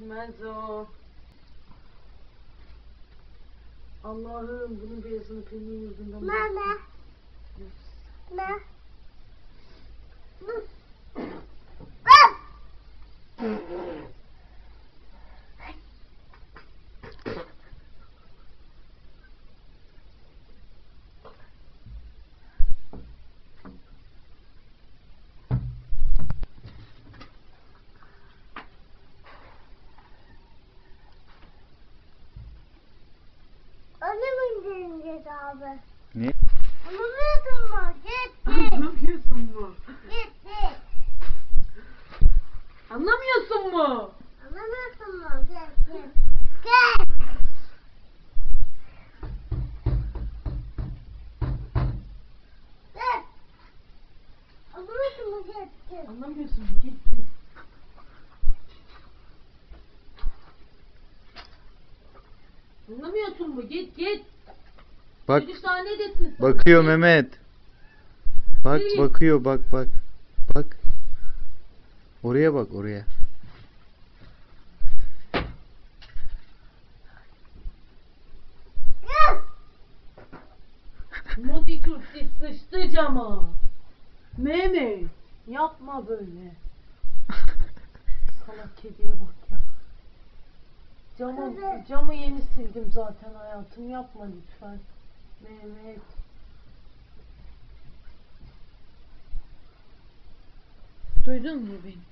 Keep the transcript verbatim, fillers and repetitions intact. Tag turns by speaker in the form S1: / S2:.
S1: Gitmez o. Allah'ım bunun beyazını peynir yüzünden.
S2: Mama. Ma. Onu mu indireceğiz abi?
S3: Ne?
S2: Anlamıyorsun mu? Git git.
S1: Anlamıyorsun mu?
S2: Git git.
S1: Anlamıyorsun mu?
S2: Anlamıyorsun mu? Git git. Git. Git. Anlamıyorsun mu? Git git.
S1: Anlamıyorsun mu? Git git. Anlamıyorsun mu? Git git.
S3: Bak,
S1: Çocuk daha ne desin sana?
S3: bakıyor
S1: Git.
S3: Mehmet. Bak,
S1: Git.
S3: bakıyor, bak bak. Bak. Oraya bak, oraya.
S2: Git.
S1: Modi Kürtçe sıçtı cama. Mehmet yapma böyle. Salak kediye bak ya. Camı,
S2: Evet.
S1: camı yeni sildim zaten hayatım, yapma lütfen. Mehmet. Duydun mu beni?